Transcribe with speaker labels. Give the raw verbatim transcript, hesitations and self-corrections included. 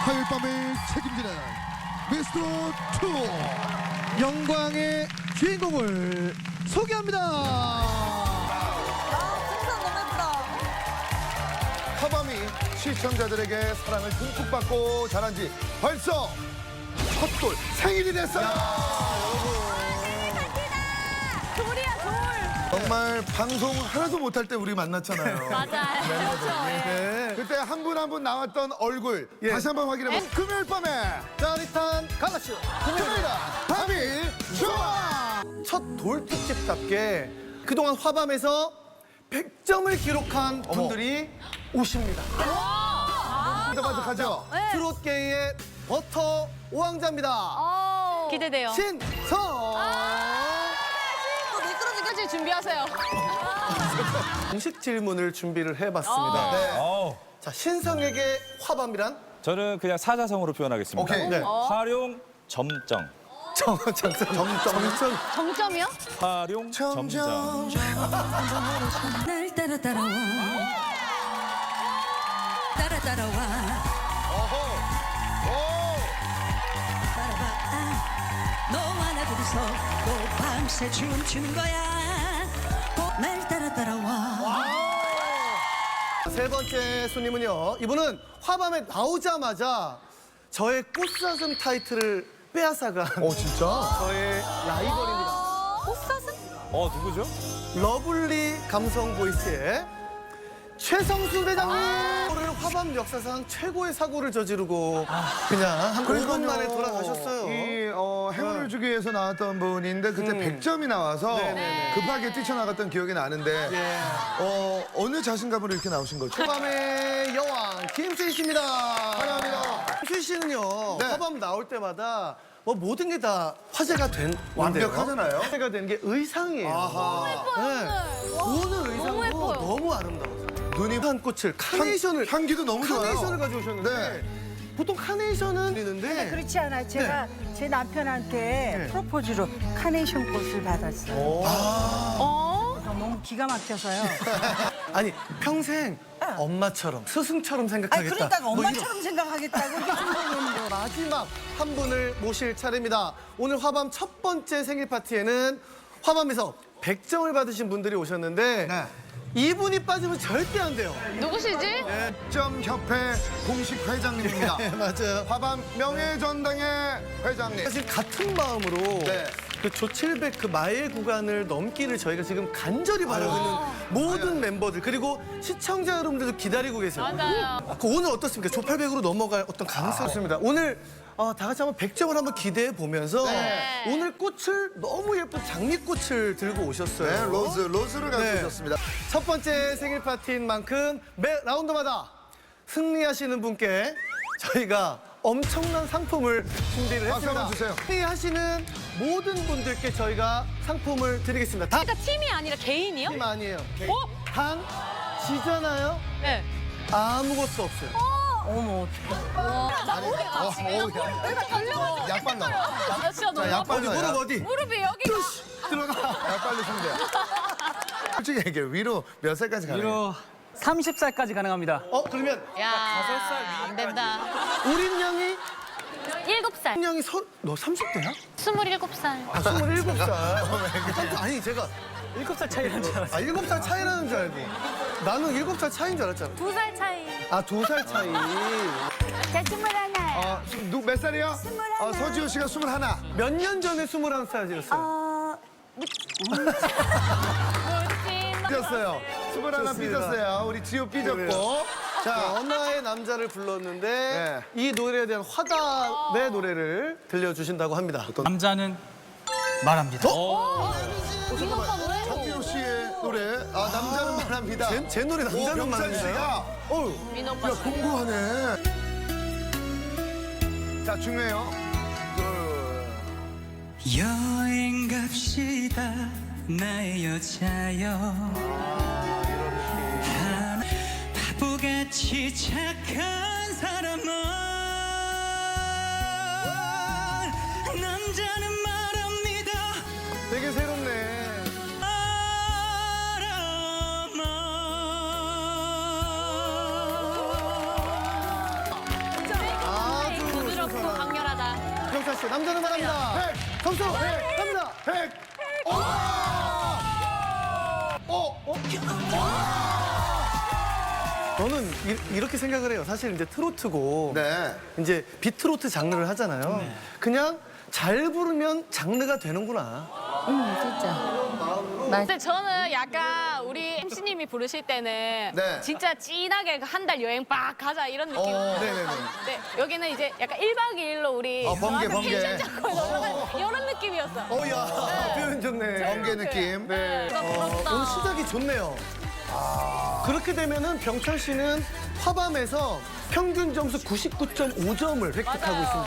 Speaker 1: 화요일 밤을 책임지는 미스터 투
Speaker 2: 영광의 주인공을 소개합니다.
Speaker 3: 아, 풍선 너무 예쁘다.
Speaker 1: 화밤이 시청자들에게 사랑을 듬뿍 받고 자란 지 벌써 첫돌 생일이 됐어요.
Speaker 3: 돌이야, 돌.
Speaker 1: 정말 방송 하나도 못할 때 우리 만났잖아요.
Speaker 3: 맞아요. 그렇죠. 예.
Speaker 2: 네.
Speaker 1: 그때 한 분 한 분 나왔던 얼굴
Speaker 2: 예.
Speaker 1: 다시 한번 확인해보세요. 금요일 밤에
Speaker 2: 짜릿한 가라쇼.
Speaker 1: 금요일이다 밤이 좋아.
Speaker 2: 첫 돌 특집답게 그동안 화밤에서 백 점을 기록한
Speaker 1: 어머.
Speaker 2: 분들이 오십니다.
Speaker 1: 반짝반짝하죠?
Speaker 3: 네.
Speaker 2: 트롯계의 버터 오왕자입니다.
Speaker 3: 어. 기대돼요.
Speaker 2: 신성.
Speaker 3: 또 미끄러지까지 준비하세요.
Speaker 2: 공식 질문을 준비를 해봤습니다.
Speaker 3: 어.
Speaker 1: 네.
Speaker 4: 어,
Speaker 2: 자, 신성에게 화밤이란?
Speaker 4: 저는 그냥 사자성어로 표현하겠습니다.
Speaker 1: 오케이.
Speaker 2: 네.
Speaker 4: 활용 점정.
Speaker 2: 정, 정, 정, 정.
Speaker 3: 정점이요?
Speaker 4: 활용 점정.
Speaker 5: 날 따라 따라와 따라 따라와 따라봐 아, 너와 나 둘이서 또 밤새 춤추는 거야 꼭 날 따라 따라와
Speaker 2: 세 번째 손님은요. 이분은 화밤에 나오자마자 저의 꽃사슴 타이틀을 빼앗아간
Speaker 1: 어 진짜?
Speaker 2: 저의 라이벌입니다.
Speaker 3: 꽃사슴?
Speaker 4: 어, 누구죠?
Speaker 2: 러블리 감성 보이스의 최성수 대장님. 오늘 화밤 역사상 최고의 사고를 저지르고 그냥 한 오 분 만에 돌아가셨어요.
Speaker 1: 이 어, 행운을 주기 위해서 나왔던 분인데 그때 백 점이 나와서
Speaker 2: 네네네.
Speaker 1: 급하게 뛰쳐나갔던 기억이 나는데
Speaker 2: 예.
Speaker 1: 어, 어느 자신감으로 이렇게 나오신 거죠?
Speaker 2: 화밤의 여왕 김수희 씨입니다.
Speaker 1: 환영합니다.
Speaker 2: 김수희 씨는요.
Speaker 1: 네.
Speaker 2: 화밤 나올 때마다 뭐 모든 게 다 화제가 된
Speaker 1: 완벽하잖아요.
Speaker 2: 화제가 된 게 의상이에요.
Speaker 1: 아하.
Speaker 2: 네. 오늘 의상도
Speaker 3: 너무 예뻐요.
Speaker 2: 너무 아름다웠어요.
Speaker 1: 눈이
Speaker 2: 한 꽃을 카네이션을
Speaker 1: 향, 기도 너무 좋아요.
Speaker 2: 카네이션을 가져오셨는데
Speaker 1: 네.
Speaker 2: 보통 카네이션은 있는데
Speaker 6: 그렇지 않아요. 제가 제 남편한테
Speaker 2: 네.
Speaker 6: 프로포즈로 카네이션 꽃을 받았어요.
Speaker 3: 어?
Speaker 6: 그래서 너무 기가 막혀서요.
Speaker 2: 아니 평생 엄마처럼 스승처럼
Speaker 6: 아니
Speaker 2: 생각하겠다.
Speaker 6: 그러니까
Speaker 2: 뭐 이런-
Speaker 6: 엄마처럼 생각하겠다고 이렇게 생각했는데
Speaker 2: 마지막 한 분을 모실 차례입니다. 오늘 화밤 첫 번째 생일 파티에는 화밤에서 백 점을 받으신 분들이 오셨는데
Speaker 1: 네.
Speaker 2: 이분이 빠지면 절대 안 돼요.
Speaker 3: 누구시지?
Speaker 1: 점협회 공식 회장님입니다.
Speaker 2: 네, 맞아요.
Speaker 1: 화밤 명예전당의 회장님.
Speaker 2: 사실 같은 마음으로
Speaker 1: 네.
Speaker 2: 그 조칠백 그 마일 구간을 넘기를 저희가 지금 간절히 바라고 있는 모든 멤버들 그리고 시청자 여러분들도 기다리고 계세요.
Speaker 3: 맞아요.
Speaker 2: 그 오늘 어떻습니까? 조팔백으로 넘어갈 어떤 가능성이 있습니다. 오늘 어, 다 같이 한번 백 점을 한번 기대해 보면서
Speaker 3: 네.
Speaker 2: 오늘 꽃을 너무 예쁜 장미꽃을 들고 오셨어요.
Speaker 1: 네, 로즈, 로즈를
Speaker 2: 네.
Speaker 1: 가져오셨습니다.
Speaker 2: 첫 번째 생일 파티인 만큼 매 라운드마다 승리하시는 분께 저희가 엄청난 상품을 준비를
Speaker 1: 박수
Speaker 2: 했습니다.
Speaker 1: 한번 주세요.
Speaker 2: 승리하시는 모든 분들께 저희가 상품을 드리겠습니다. 단
Speaker 3: 그러니까 팀이 아니라 개인이요?
Speaker 2: 팀 아니에요.
Speaker 3: 어?
Speaker 2: 단 지잖아요.
Speaker 3: 네.
Speaker 2: 아무것도 없어요.
Speaker 6: 어머 어떡해.
Speaker 3: 나 목이
Speaker 1: 어,
Speaker 3: 아프지.
Speaker 1: 어, 야.
Speaker 3: 내가 달려가지고.
Speaker 1: 약발 나와.
Speaker 3: 나 진짜 너무
Speaker 1: 자,
Speaker 3: 아파.
Speaker 1: 약발
Speaker 2: 어디
Speaker 1: 나와.
Speaker 2: 무릎 어디?
Speaker 3: 무릎이 여기가.
Speaker 1: 야, 빨리 승대. 솔직히 얘기해. 위로 몇 살까지 가나요?
Speaker 7: 위로 삼십 살까지 가능합니다.
Speaker 2: 어 그러면
Speaker 3: 야, 안 된다.
Speaker 2: 우린 양이
Speaker 3: 일곱 살.
Speaker 2: 우린 양이 서, 너 삼십 대야?
Speaker 3: 스물일곱 살.
Speaker 2: 아 스물일곱 살. 아니 제가
Speaker 7: 일곱 살 차이라는 줄 알았어요.
Speaker 2: 아 일곱 살 차이라는 줄 알고 나는 일곱 살 차이인 줄 알았잖아.
Speaker 3: 두 살 차이.
Speaker 2: 아 두 살 차이.
Speaker 6: 자 스물하나.
Speaker 1: 어, 누, 몇 살이요?
Speaker 6: 스물하나.
Speaker 1: 어, 서지호 씨가 스물하나.
Speaker 2: 몇 년 전에 스물한 살이었어요.
Speaker 6: 어
Speaker 1: 삐졌어요. 스물하나
Speaker 2: 좋습니다.
Speaker 1: 삐졌어요. 우리 지호 삐졌고.
Speaker 2: 그래요. 자,
Speaker 1: 자,
Speaker 2: 언어의 남자를 불렀는데
Speaker 1: 네.
Speaker 2: 이 노래에 대한 화답의 노래를 들려주신다고 합니다.
Speaker 7: 남자는 말합니다.
Speaker 3: 민호빠 노래?
Speaker 1: 정민호 씨의 노래. 아, 남자는 말합니다.
Speaker 2: 제, 제 노래 남자는
Speaker 1: 명찬
Speaker 2: 말합니다.
Speaker 1: 씨가 어우,
Speaker 3: 민호빠
Speaker 1: 야, 공부하네. 자, 중요해요. 둘.
Speaker 5: 여행 갑시다 나의 여자여 하나 바보같이 착한 사람아 남자는 말합니다
Speaker 2: 되게 새롭네.
Speaker 5: 바람아
Speaker 2: 아, 병찬 씨. 남자는 말합니다.
Speaker 1: 백.
Speaker 2: 점수 갑니다.
Speaker 1: 백. 오! 어? 어?
Speaker 2: 저는 이, 이렇게 생각을 해요. 사실 이제 트로트고
Speaker 1: 네.
Speaker 2: 이제 비트로트 장르를 하잖아요. 그냥 잘 부르면 장르가 되는구나.
Speaker 3: 근데 저는 약간 우리 엠씨님이 부르실 때는
Speaker 1: 네.
Speaker 3: 진짜 진하게 한 달 여행 빡 가자 이런 느낌.
Speaker 1: 어.
Speaker 2: 네네네.
Speaker 3: 네, 여기는 이제 약간 일 박 이 일로 우리
Speaker 1: 어, 번개,
Speaker 3: 저한테
Speaker 1: 번개.
Speaker 3: 텐션 잡고 놀러 가는 이런 느낌이었어.
Speaker 2: 어야 표현 좋네.
Speaker 1: 번개 느낌.
Speaker 3: 네.
Speaker 2: 어, 오늘 시작이 좋네요. 그렇게 되면은 병찬 씨는 화밤에서 평균 점수 구십구 점 오 점을 획득하고
Speaker 3: 맞아요.
Speaker 2: 있습니다.